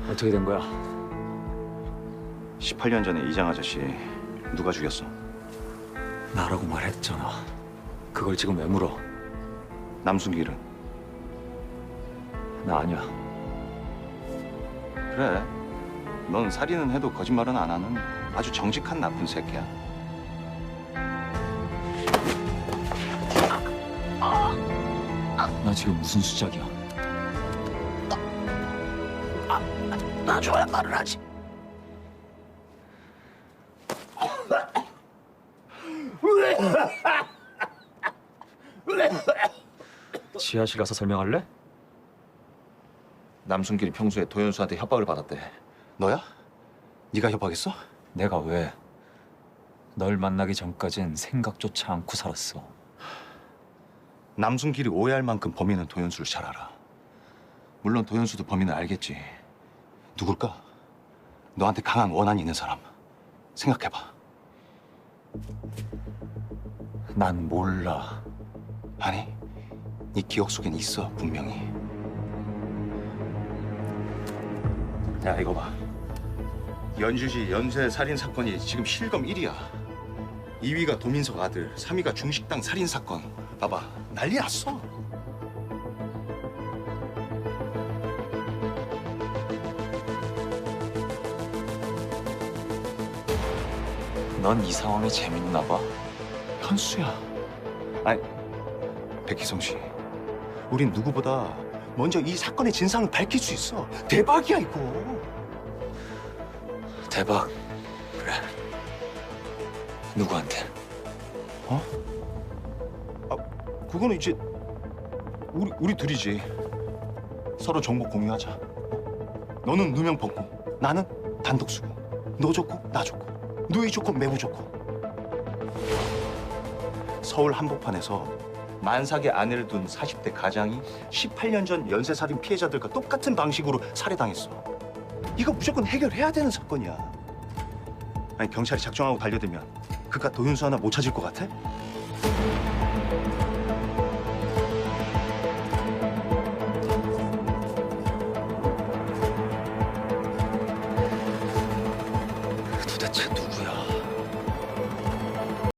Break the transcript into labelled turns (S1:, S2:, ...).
S1: 어떻게 된 거야?
S2: 18년 전에 이장 아저씨 누가 죽였어?
S1: 나라고 말했잖아. 그걸 지금 왜 물어?
S2: 남순길은?
S1: 나 아니야.
S2: 그래. 넌 살인은 해도 거짓말은 안 하는 아주 정직한 나쁜 새끼야.
S1: 나 지금 무슨 수작이야?
S2: 놔줘야 말을 하지.
S1: 지하실 가서 설명할래?
S2: 남순길이 평소에 도현수한테 협박을 받았대. 너야? 네가 협박했어?
S1: 내가 왜? 널 만나기 전까진 생각조차 않고 살았어.
S2: 남순길이 오해할 만큼 범인은 도현수를 잘 알아. 물론 도현수도 범인을 알겠지. 누굴까? 너한테 강한 원한이 있는 사람. 생각해봐.
S1: 난 몰라.
S2: 아니, 네 기억 속엔 있어, 분명히. 야, 이거 봐. 연주시 연쇄 살인 사건이 지금 실검 1위야. 2위가 도민석 아들, 3위가 중식당 살인 사건. 봐봐, 난리 났어.
S1: 넌 이 상황이 재밌나 봐.
S2: 현수야. 아니, 백희성 씨. 우린 누구보다 먼저 이 사건의 진상을 밝힐 수 있어. 대박이야, 이거.
S1: 대박. 그래. 누구한테?
S2: 어? 아, 그거는 이제 우리 둘이지. 서로 정보 공유하자. 너는 누명 벗고, 나는 단독 수고. 너 좋고, 나 좋고. 누이 좋고, 매부 좋고. 서울 한복판에서 만삭의 아내를 둔 40대 가장이 18년 전 연쇄살인 피해자들과 똑같은 방식으로 살해당했어. 이거 무조건 해결해야 되는 사건이야. 아니, 경찰이 작정하고 달려들면 그깟 도윤수 하나 못 찾을 것 같아?
S1: 도대체 누구?